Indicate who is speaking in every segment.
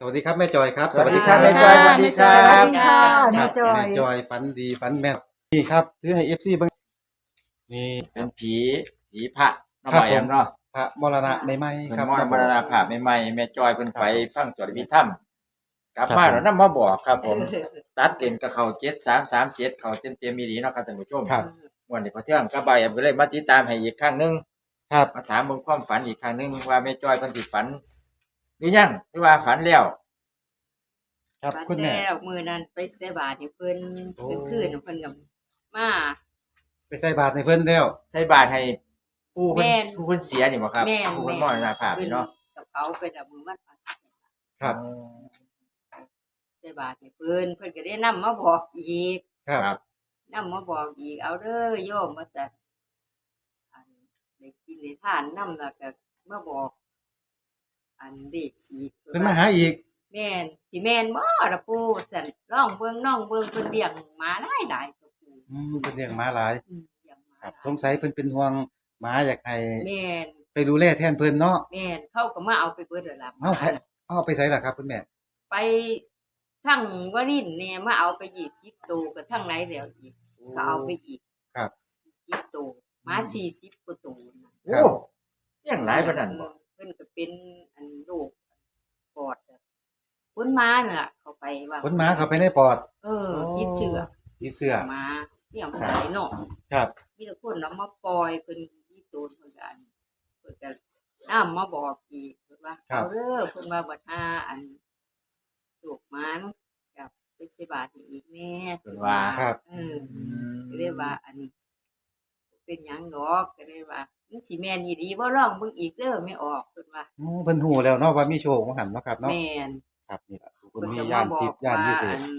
Speaker 1: วัสดีครับแม่จอยครับ
Speaker 2: สวัสดีครับแม่จอยสวัสดีครั
Speaker 3: สวัส
Speaker 2: บ
Speaker 3: ดีค่ะ
Speaker 1: ค
Speaker 3: แม่
Speaker 1: รับ
Speaker 3: จอย
Speaker 1: แม่จอยฝันดีฝันแม่นนี่ครับถือให้ FC เบิ่งนี่
Speaker 2: เป็นผีพระเนาะ
Speaker 1: ครับ
Speaker 2: บ่แอมเนาะ
Speaker 1: พระมรณะใหม่ๆ
Speaker 2: เพิ่น
Speaker 1: ครับ
Speaker 2: มรณภาพใหม่ๆแม่จอยเพิ่น
Speaker 1: ครับ
Speaker 2: ไปฟังสวดอภิธรรมกลับ
Speaker 1: ครับ
Speaker 2: มา
Speaker 1: ผม
Speaker 2: แล้วนำมาบอกครับผม ตัดเลนกับเขา7337เขาเต็มๆอีหลีเนาะครับท่านผู้ชม
Speaker 1: ครับ
Speaker 2: วันนี้พอเที่ยงก็บ่ายแอมก็เลยมาติดตามให้อีกครั้งหนึง
Speaker 1: ครับ
Speaker 2: มาถามเบิ่งความฝันอีกครั้งหนึงว่าแม่จอยเพิ่นสิฝันหรือยังหรือว่าฝันแล้ว
Speaker 1: ครับ
Speaker 3: ฝัน
Speaker 1: คุณแม่
Speaker 3: แล้วมื้อนั้นไปใส่บาตรให้เพิ่น
Speaker 1: โอ้
Speaker 3: คืนๆเพิ่นก็มา
Speaker 1: ไปใส่บาตรในเพิ่นแล้ว
Speaker 2: ใส่บาตรให้ผู้เพิ่น
Speaker 3: แม่น
Speaker 2: ผู้เพิ่นเสียนี่บ่ครับ
Speaker 3: แม่น
Speaker 2: ผู้เพิ่นมรณภาพนี่เนาะ
Speaker 3: กับเขาไปดับมือวัด
Speaker 1: ครับ
Speaker 3: ใส่บาตรให้เพิ่นก็ได้นำมาบอกอีก
Speaker 1: ครับ
Speaker 2: ครับ
Speaker 3: นำมาบอกอีกเอาเด้อโยมว่าแต่อันได้กินได้ทานนำแล้วก็มาบอก อันเด็กอีก
Speaker 1: เพิ่นมาหาอีก
Speaker 3: แม่นสิแม่นบ่ล่ะปู่ซั่นลองเบิ่งน้องเบิ่งเพิ่นเลี้ยงหมาหลายๆตัวปู่
Speaker 1: เพิ่นเลี้ยงหมาหลาย
Speaker 3: เลี้ยงหมา
Speaker 1: ครับ
Speaker 3: หลาย
Speaker 1: สงสัยเพิ่นเป็นห่วงหมาอยากให้
Speaker 3: แม่น
Speaker 1: ไปดูแลแทนเพิ่นเนาะ
Speaker 3: แม่นเขาก็มาเอาไปเบิดแล้วล่ะ
Speaker 1: เอาไปใส่ล่ะครับคุณแม่
Speaker 3: ไปทั้งวรินทร์เนี่ยมาเอาไป20ตัวก็ทั้งไหนแล้วอีกก็เอาไปอีก
Speaker 1: ครับ
Speaker 3: 10ตัวหมา40กว่าตัวนะ
Speaker 2: โอ้เลี้ยงหลายปานนั้นบ่
Speaker 3: เพิ่นก็เป็นอันโรคปอดอะคนมาน่ะล่ะเขาไปว่า
Speaker 1: ขนหมาเข้าไปในปอด
Speaker 3: ติดเชื้อ
Speaker 1: ที่เสื้อ
Speaker 3: หมาเนี่ยมันไหลเนาะ
Speaker 1: ครับ
Speaker 3: มีแต่คนเอามาปล่อยเพิ่นที่โตนเพิ่นก็อันเพิ่นก็น้ำมาบอกอีกเพิ่นว่าเอาเด้อเพิ่นว่าบัดหาอันสุกมันกับเป็นสิบาทให้อีกแม่
Speaker 2: เพิ่นว่า
Speaker 1: ครับ
Speaker 3: ก็เลยว่าอันนี้เป็นหยังดอกก็เลยว่ามันสิแม่นอีหลีบ่ลองเบิ่งอีกเด้อไม่ออกเพิ่นว่า
Speaker 1: เพิ่นฮู้แล้วเนาะว่ามีโชคของหันเนาะครับเนาะ
Speaker 3: แม่น
Speaker 1: ครับนี่ล่ะเพิ่
Speaker 3: เพิ่
Speaker 1: น
Speaker 3: น
Speaker 1: มี
Speaker 3: ก็
Speaker 1: ย่าม
Speaker 3: าน บอ
Speaker 1: ทิ
Speaker 3: ก
Speaker 1: พย์ย่าน
Speaker 3: ว่า
Speaker 1: วิเศษ
Speaker 3: อัน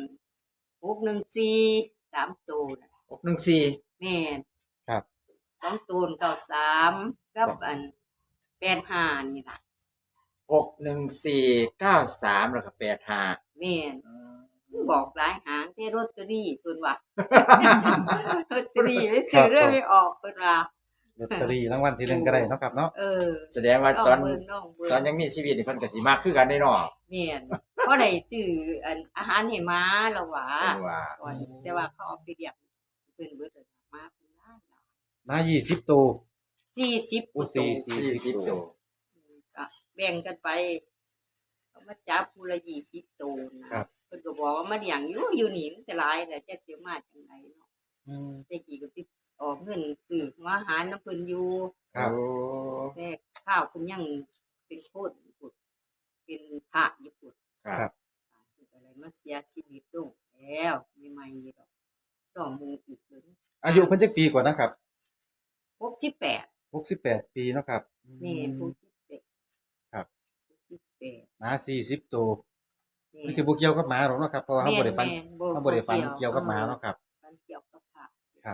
Speaker 3: 614 3ตัวน่ะ
Speaker 2: 614
Speaker 3: แม่น
Speaker 1: ครับ
Speaker 3: 2ตัว93กับอัน85นี่ล่ะ
Speaker 2: 61493แล้วก็85
Speaker 3: แม่นบอกหลายหางแต่ลอตเตอรี่เพิ่นว่า ลอตเตอรี่ไม่ซื้อเรื่อยไม่ออกเพิ่นว่า
Speaker 1: ลอตเตอรี่รางวัลที่หนึ่งก็ได้เนาะครับเนาะ
Speaker 2: แสดงว่า
Speaker 3: น้อง
Speaker 2: ตอน
Speaker 3: เบิ่งน้องเบิ่ง
Speaker 2: ตอนยังมีชีวิตนี่เพิ่นก็สิมากคือกันได้เนาะ
Speaker 3: แม่นเพราะได้ซื้ออันอาหารให้ม้าแล้วว่า
Speaker 2: เพิ่นว่า
Speaker 3: ก่อนแต่ว่าเขาเอาไปเลี้ยงเพิ่นเบิดเลยม้าเพิ่นหลาย
Speaker 1: มา20ตัว
Speaker 3: 40กว่าตัว
Speaker 2: 40ตัว
Speaker 3: ก็แบ่งกันไปเขามาจับผู้ละ20ตัวนะครับ เพิ่นก็บอกว่ามาเลี้ยงอยู่นี่มันจะหลายแต่จะสิมาจังไดเนาะ แต่กี้ก็ติดออกเงินซื้อหัวอาหารน้ำเพิ่นอยู่
Speaker 1: ครับ
Speaker 2: โอ้
Speaker 3: แต่ข้าวเพิ่นยังเป็นโคตรญี่ปุ่นเป็นพระญี่ปุ่น
Speaker 1: ครับ
Speaker 3: เพิ่นก็เลยมาเสียชีวิตลงแล้วมีใหม่อยู่ดอกต่อหมูอีกถึง
Speaker 1: อายุเพิ่นจักปีกว่านะครับ
Speaker 3: 68
Speaker 1: 68 ปีเนาะครับ
Speaker 3: แม่68
Speaker 1: ครับ
Speaker 3: 68
Speaker 1: หมา40ตัว
Speaker 3: แม่
Speaker 1: คือสิบ่เกี่ยวกับหมาหรอกเนาะครับเพราะว่าเฮาบ่ได้ฟัน
Speaker 3: แม่น
Speaker 1: เฮาบ่ได้ฟันเกี่ยวกับหมาเนาะครับ
Speaker 3: ฟันเกี่ยวกับพระ
Speaker 1: ครับ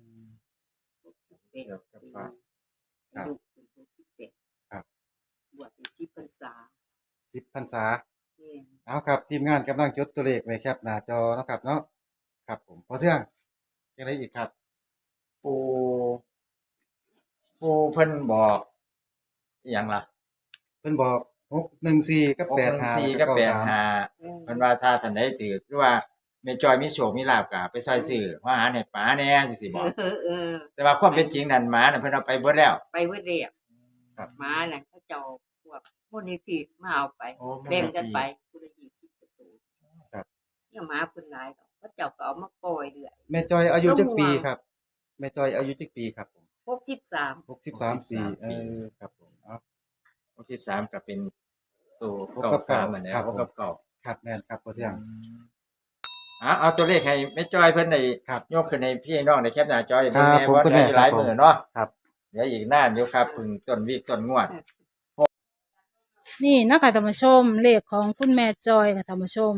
Speaker 3: 68
Speaker 2: เกี่ยวกับพระ
Speaker 1: ครับ
Speaker 3: อายุเป็น68
Speaker 1: ครับ
Speaker 3: บวชเป็น10พรรษา
Speaker 1: 10พรรษา
Speaker 3: แม่น
Speaker 1: เอาครับทีมงานกำลังจดตัวเลขไว้แคปหน้าจอเนาะครับเนาะครับผมพอเทื่องจังไดอีกครับ
Speaker 2: ปูเพิ่นบอกอิหยังล่ะ
Speaker 1: เพิ่นบอก614กับ85
Speaker 2: 614กับ85 เพิ่นว่าถ้าท่านใดถือหรือว่าแม่จอยมีโชคมีลาภก็ไปซอยซื้อหัวอาหารให้ป๋าแหน่จังซี่บอก
Speaker 3: อ
Speaker 2: แต่ว่าความเป็นจริงนั่นหมาน่ะเพิ่นเอาไปเบิดแล้ว
Speaker 3: ไปเวทเรียก
Speaker 1: ครับ
Speaker 3: ม้าน่ะเขาเจ้าพวกมูลนิธิมาเอาไป
Speaker 2: โอ้
Speaker 3: แบ่งกันไปคนละ20ประตู
Speaker 1: ครับ
Speaker 3: เนี่ยม้าเพิ่นหลายดอกเขาเจ้าก็เอามาปล่อยเรื่อย
Speaker 1: แม่จอยอายุจักปีครับ แม่จอยอายุจักปีครับผม
Speaker 3: 63
Speaker 1: 63 ปีครับผมเอา
Speaker 2: 63ก็เป็นตัว
Speaker 1: หกกับเก้า
Speaker 2: 93เหมือนเดิม
Speaker 1: ครับ
Speaker 2: หกกับเก้า
Speaker 1: ครับแม่นครับพอเทื่อง
Speaker 2: เอาตัวเลขให้แม่จอยเพิ่นได้
Speaker 1: ครับ
Speaker 2: ยกขึ้นให้พี่น้องได้แคปหน้าจอย
Speaker 1: ครับ
Speaker 2: เบิ่งแน่
Speaker 1: ผม
Speaker 2: ว่า
Speaker 1: คุณ
Speaker 2: ได้
Speaker 1: แม่
Speaker 2: หลาย
Speaker 1: ครับผม
Speaker 2: มื้อเนาะ
Speaker 1: ครับ
Speaker 2: เดี๋ยวอีกนานอยู่ครับเพิ่งต้นวีคต้นงวด
Speaker 4: นี่นะคะท่านผู้ชมเลขของคุณแม่จอยค่ะท่านผู้ชม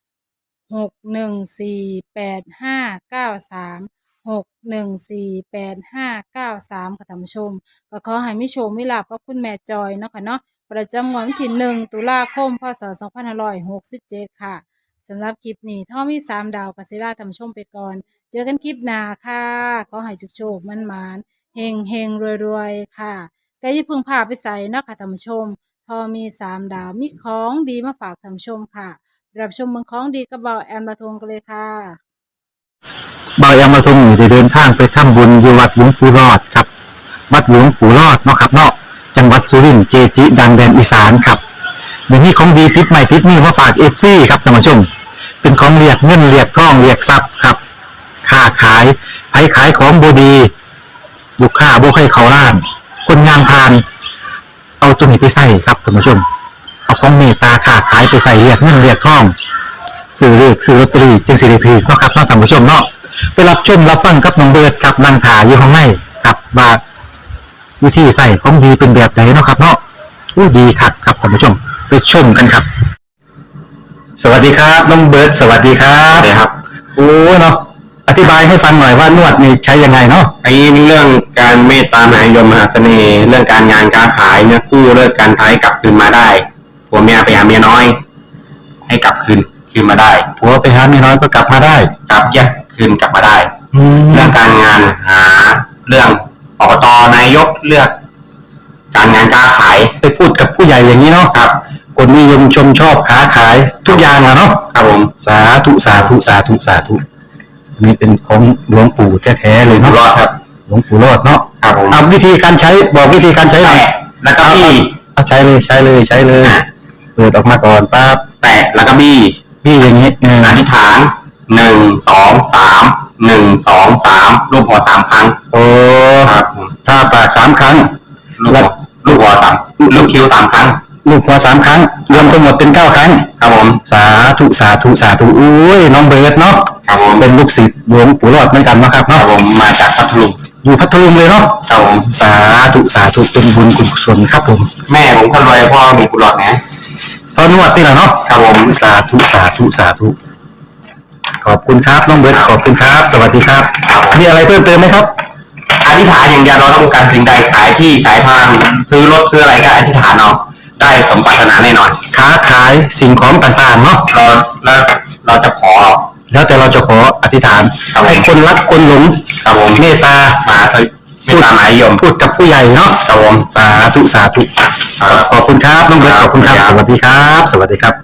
Speaker 4: 6148593ค่ะท่านผู้ชมก็ขอให้มิโชคมิลาภกับคุณแม่จอยเนาะค่ะเนาะประจำงวดวันที่1ตุลาคมพศ2567ค่ะสำหรับคลิปนี้ถ้ามี3ดาวกัสิลาท่านผู้ชมไปก่อน เจอกันคลิปหน้าค่ะขอให้โชคๆมั่นๆเฮงๆรวยๆค่ะแต่อย่าเพิ่งพาไปใส่เนาะค่ะท่านผู้ชมอมี3 ดาวมีของดีมาฝากท่านผู้ชมค่ะรับชมเมืองของดีกับเบาแอมละทงกันเลยค่ะ
Speaker 5: บายามาทรงอยู่ได้เดินทางไปทำบุญอยู่วัดหลวงปู่รอดครับวัดหลวงปู่รอดเนาะครับเนาะจังหวัดสุรินทร์เจจิ ดังแดนอีสานครับเดี๋ยวนี้ของดีติดใหม่ติดนี่มาฝากเอฟซีครับท่านผู้ชมเป็นของเรียกเงินเรียกทองเรียกทรัพย์ครับค้าขายไผขายของบดีลูกค้าบ่ให้เขาล้าน คนงานพาน เอาตัวนี้ไปใส่ครับท่านผู้ชมเอาของเมตตาค้าขายไปใส่เรียกเงินเรียกทองซื้อเลขซื้อลอตเตอรี่จึงสิริพีเนาะครับเนาะท่านผู้ชมเนาะไปรับชมรับฟังกับน้องเบิร์ดกับนางถาอยู่ข้างในกับว่าวิธีใส่ของดีเป็นแบบไหนเนาะครับเนาะอู้ดีครับครับท่านผู้ชมไปชมกันครับ สวัสดีครับน้องเบิร์ดสวัสดีครับสวัสดีครับโอ้เนาะอธิบายให้ฟังหน่อยว่านวดนี่ใช้ยังไงเนาะ
Speaker 6: ไอ้เรื่องการเมตตามหานิยมมหาเสน่ห์ เรื่องการงานการขายเนี่ยคู่เลิกการท้ายกลับคืนมาได้ผัวเมียไปหาเมียน้อย ให้กลับคืนมาได้
Speaker 5: ผัวไปหาเมียน้อยก็กลับมาได้
Speaker 6: กลับแยกคืนกลับมาได้เรื่องการงานหาเรื่องอบตนายกเลือก การงานการขาย
Speaker 5: ไปพูดกับผู้ใหญ่อย่างนี้เนาะ
Speaker 6: ครับ
Speaker 5: คนนิยมชมชอบค้าขายทุกอย่างอะเนาะ
Speaker 6: ครับผม
Speaker 5: สาธุสาธุสาธุสาธุอันนี้เป็นของหลวงปู่แท้ๆเลย
Speaker 6: อยู่
Speaker 5: เนาะ
Speaker 6: รอดครับ
Speaker 5: หลวงปู่รอดเนาะ
Speaker 6: ครับผม
Speaker 5: เอาวิธีการใช้บอกวิธีการใช้หน่อย
Speaker 6: แตะแล้วก็บี้
Speaker 5: เอาใช้เลยใช้เลยใช้เลยเปิดออกมาก่อนปั๊บ
Speaker 6: แตะแล้วก็บี้
Speaker 5: พี่อย่างนี้
Speaker 6: อธิษฐาน1 2 3 1 2 3รูปหัว3ครั้ง
Speaker 5: โอ้
Speaker 6: ครับผม
Speaker 5: ถ้าปาก3 ครั้ง
Speaker 6: ลูกหัวลูกคิ้ว3 ครั้ง
Speaker 5: ลูกหัว3 ครั้ง รวมทั้งหมดเป็น9 ครั้ง
Speaker 6: ครับผม
Speaker 5: สาธุสาธุสาธุอุ้ยน้องเบิร์ดเนาะ
Speaker 6: ครับผม
Speaker 5: เป็นลูกศิษย์หลวงปู่รอดเหมือนกันเนาะครับ
Speaker 6: ครั
Speaker 5: เนาะ
Speaker 6: บผมมาจากพัทลุง
Speaker 5: อยู่พัทลุงเลยเนาะ
Speaker 6: ครับผม
Speaker 5: สาธุสาธุเป็นบุญกุศลครับผม
Speaker 6: แม่ผมคนรวยพ่อมีกุหลาบนะ
Speaker 5: ตอนนวดนี่แหละเนาะ
Speaker 6: ครับผม
Speaker 5: สาธุสาธุสาธุขอบคุณครับน้องเบิร์ดขอบคุณครับ สวัสดีครับมีอะไรเพิ่มเติมไหมครับ
Speaker 6: อธิษฐานอย่างเดียวเราต้องการสิ่งใดขายที่ขายทางซื้อรถซื้ออะไรก็อธิษฐานเอาได้สมปรารถนาแน่นอน
Speaker 5: ค้าขายสิ่งของต่างๆเนาะ
Speaker 6: เราจะขอ
Speaker 5: แล้วแต่เราจะขออธิษฐานให้คนรักคนหลง
Speaker 6: ครับผม
Speaker 5: เมตตา
Speaker 6: มาไม่ตามหมายยม
Speaker 5: พูดกับผู้ใหญ่เนาะ
Speaker 6: ครับผม
Speaker 5: สาธุสาธุขอบคุณครับน้องเบิร์ตขอบคุณครับ สวัสดีครับ สวัสดีครับ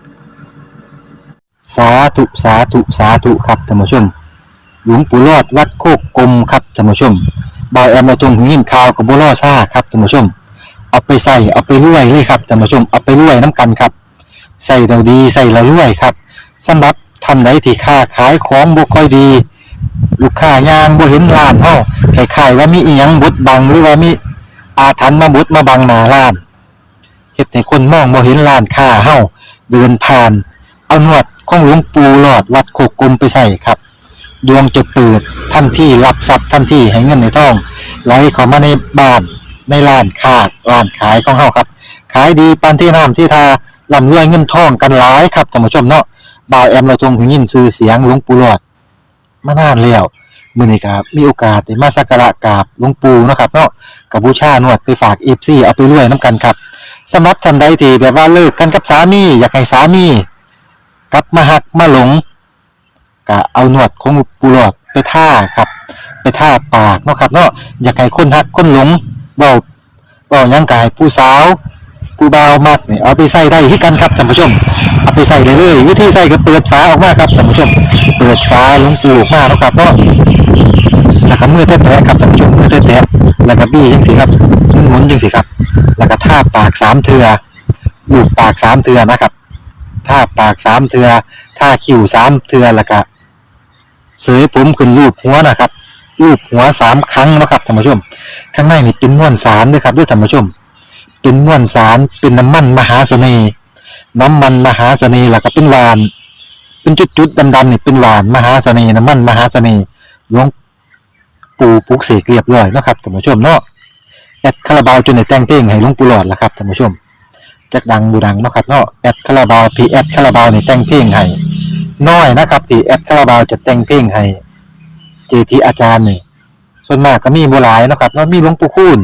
Speaker 5: สาธุสาธุสาธุครับท่านผู้ชม หลวงปู่รอดวัดโคกกลมครับท่านผู้ชมบอยแอมมาตรงหินข่าวกับบัวล่อซ่าครับท่านผู้ชมเอาไปใส่เอาไปรวยเลยครับท่านผู้ชมเอาไปรวยน้ำกันครับใส่เราดีใส่เรารวยครับสำหรับท่านใดที่ค้าขายของบ่ค่อยดี ลูกค้ายางบ่เห็นร้านเฮาคล้ายๆว่ามีอีหยังบดบังหรือว่ามีอาถรรพ์มาบดมาบังหน้าร้านเฮ็ดให้คนมองบ่เห็นร้านค้าเฮาเดินผ่านเอาหนวดของหลวงปู่หลอดวัดโคกกลมไปใส่ครับดวงจะเปิดทันทีรับทรัพย์ทันทีให้เงินในท้องไหลเข้ามาในบ้านในร้านค้าร้านขายของเฮาครับขายดีปานที่น้ำที่ทาร่ำรวยเงินทองกันหลายครับท่านผู้ชมเนาะบ่าวแอมเราทรงหูยินชื่อเสียงหลวงปู่หลอดมานานแล้วมื้อนี้ครับมีโอกาสได้มาสักการะกราบหลวงปู่เนาะครับเนาะกับบูชานวดไปฝาก FC เอาไปรวยน้ำกันครับสำหรับท่านใดที่แบบว่าเลิกกันกับสามีอยากให้สามีกลับมาหักมาหลงก็เอาหนวดของหลวงปู่หลอดไปท่าครับไปท่าปากเนาะครับเนาะอยากให้คนหักคนหลงเว้าหยังก็ให้ผู้สาวผู้บ่าวมักนี่เอาไปใส่ได้ที่กันครับท่านผู้ชมเอาไปใส่เลยวิธีใส่ก็เปิดฝาออกมาครับท่านผู้ชมเปิดฝาหลวงปู่ออกมาแล้วครับเนาะแล้วก็มือแตะๆครับท่านผู้ชมมือแตะๆแล้วก็บี้จังซี่ครับหมุนจังซี่ครับแล้วก็ท่าปาก3เทื่อลูบปาก3เทื่อนะครับท่าปาก3เทื่อท่าคิ้ว3เทื่อแล้วก็เสยผมขึ้นรูปหัวนะครับรูปหัว3ครั้งนะครับท่านผู้ชมข้างในนี่เป็นมวลสารด้วยครับด้วยท่านผู้ชมเป็นมวลสารเป็นน้ำมันมหาเสน่ห์น้ำมันมหาเสน่ห์แล้วก็เป็นหวานเป็นจุดๆดำๆนี่เป็นหวานมหาเสน่ห์น้ำมันมหาเสน่ห์หลวงปู่ปลุกเสกเรียบร้อยนะครับท่านผู้ชมเนาะแอดคาราบาวจนได้แต่งเพลงให้หลวงปู่หลอดแล้วครับท่านผู้ชมจักดังบูดังเนาะครับเนาะแอดคาราบาวพีแอดคาราบาวนี่แต่งเพลงให้น้อยนะครับที่แอดคาราบาวจะแต่งเพลงให้เจทีอาจารย์นี่ส่วนมากก็มีบ่หลายเนาะครับเนาะมีหลวงปู่คูณ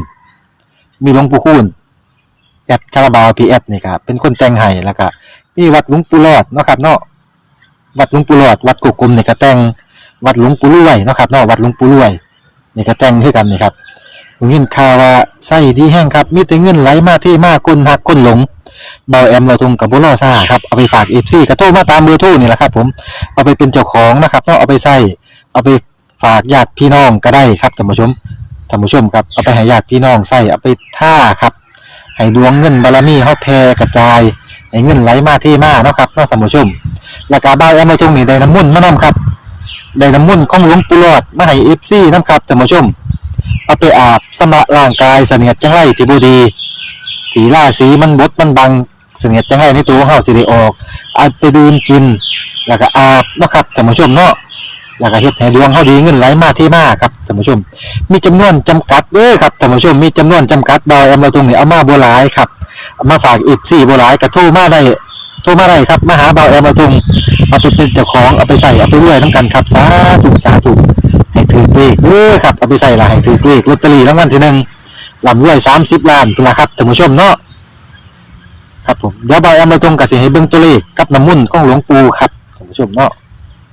Speaker 5: แอดคาราบาวพีแอดนี่ครับเป็นคนแต่งให้แล้วก็มีวัดหลวงปู่หลอดเนาะครับเนาะวัดหลวงปู่หลอดวัดกุกกลมนี่ก็แต่งวัดหลวงปู่รวยเนาะครับเนาะวัดหลวงปู่รวยนี่ก็แต่งคือกันนี่ครับผมยินข่าวว่าไส้ดีแห้งครับมีแต่เงินไหลมาที่มาคนหักคนหลงเบาแอมเราทงกับบุรอซ่าครับเอาไปฝาก FC กระโทรมาตามเบอร์โทรนี่แหละครับผมเอาไปเป็นเจ้าของนะครับเนาะเอาไปใส่เอาไปฝากญาติพี่น้องก็ได้ครับท่านผู้ชมครับเอาไปให้ญาติพี่น้องใส่เอาไปท่าครับให้ดวงเงินบารมีเฮาแผ่กระจายให้เงินไหลมาที่มาเนาะครับเนาะท่านผู้ชมแล้วก็เบาแอมเราทงนี่ได้น้ำมนต์มานํครับได้น้ำมนต์ของหลวงปู่หลอดมาให้ FC นำครับท่านผู้ชมเอาไปอาบสำระร่างกายเสนียดจังไรที่บ่ดีสีล่าสีมันบดมันบังเสนียดจังไรในตัวของเฮาสิได้ออกเอาไปดื่มกินแล้วก็อาบเนาะครับท่านผู้ชมเนาะแล้วก็เฮ็ดให้ดวงเฮาดีเงินไหลมาที่มาครับท่านผู้ชมมีจำนวนจำกัดเด้อครับท่านผู้ชมมีจำนวนจำกัดดอยเอามาตรงนี้เอามาบ่หลายครับเอามาฝากอีก4บ่หลายก็โทรมาได้ครับมาหาเบาแอมมาตรงเอาไปเป็นเจ้าของเอาไปใส่เอาไปรวยนำกันครับสาธุให้ถือเลขเด้อครับเอาไปใส่ละให้ถือเลขลอตเตอรี่รางวัลที่1ลำรวย30ล้านพุ่นล่ะครับท่านผู้ชมเนาะครับผมเดี๋ยวเบาแอมมาตรงก็สิให้เบิ่งตัวเลขกับน้ำมนต์ของหลวงปู่ครับท่านผู้ชมเนาะ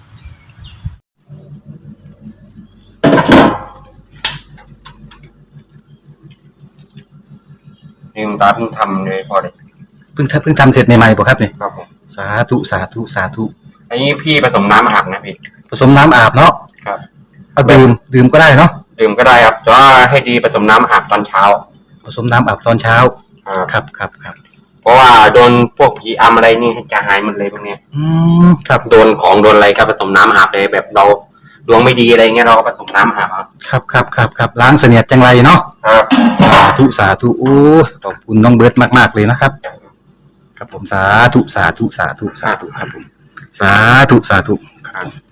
Speaker 6: นี่คุณตาเพิ่งทำเลยพอเลย
Speaker 5: เพิ่งทำเสร็จใหม่ๆบ่ครับนี่
Speaker 6: ครับผม
Speaker 5: สาธุ
Speaker 6: อันนี้พี่ผสมน้ำอาบนะพี่
Speaker 5: ผสมน้ำอาบเนาะ
Speaker 6: ครับ
Speaker 5: เอาดื่มก็ได้เนาะ
Speaker 6: ดื่มก็ได้ครับแต่ว่าให้ดีผสมน้ำอาบตอนเช้า
Speaker 5: ผสมน้ำอาบตอนเช้า
Speaker 6: ครับ
Speaker 5: ครับ
Speaker 6: เพราะว่าโดนพวกผีอำอะไรนี่จะหายหมดเลยพวกเนี้ย
Speaker 5: ครับ
Speaker 6: โดนของโดนอะไรก็ผสมน้ำอาบเลยแบบเราดวงไม่ดีอะไรเงี้ยเราก็ผสมน้ำอาบ
Speaker 5: ครับล้างเสนียดจังไรเนาะ
Speaker 6: ครับ
Speaker 5: สาธุโอ้ขอบคุณน้องเบิร์ตมากๆเลยนะครับครับผมสาธุครับผมสาธุ